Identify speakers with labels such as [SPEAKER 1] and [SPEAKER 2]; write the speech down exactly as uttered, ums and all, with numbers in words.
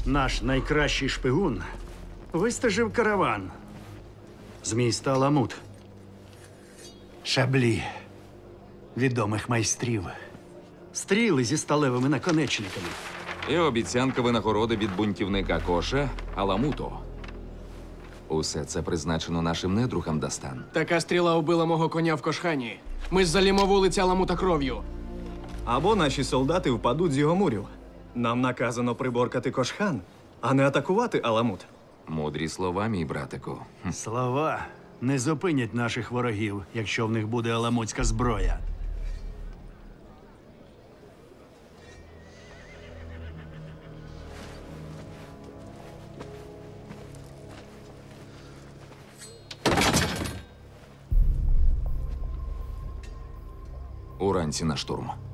[SPEAKER 1] Наш найкращий шпигун вистежив караван з міста Аламут. Шаблі відомих майстрів. Стріли зі сталевими наконечниками.
[SPEAKER 2] І обіцянка винагороди від бунтівника Коша Аламуту. Усе це призначено нашим недругам, Дастан.
[SPEAKER 3] Така стріла убила мого коня в Кошхані. Ми ж залімо вулиці Аламута кров'ю.
[SPEAKER 4] Або наші солдати впадуть з його мурів. Нам наказано приборкати Кошхан, а не атакувати Аламут.
[SPEAKER 2] Мудрі слова, мій братику. Хм.
[SPEAKER 1] Слова не зупинять наших ворогів, якщо в них буде аламутська зброя.
[SPEAKER 2] Уранці на штурм.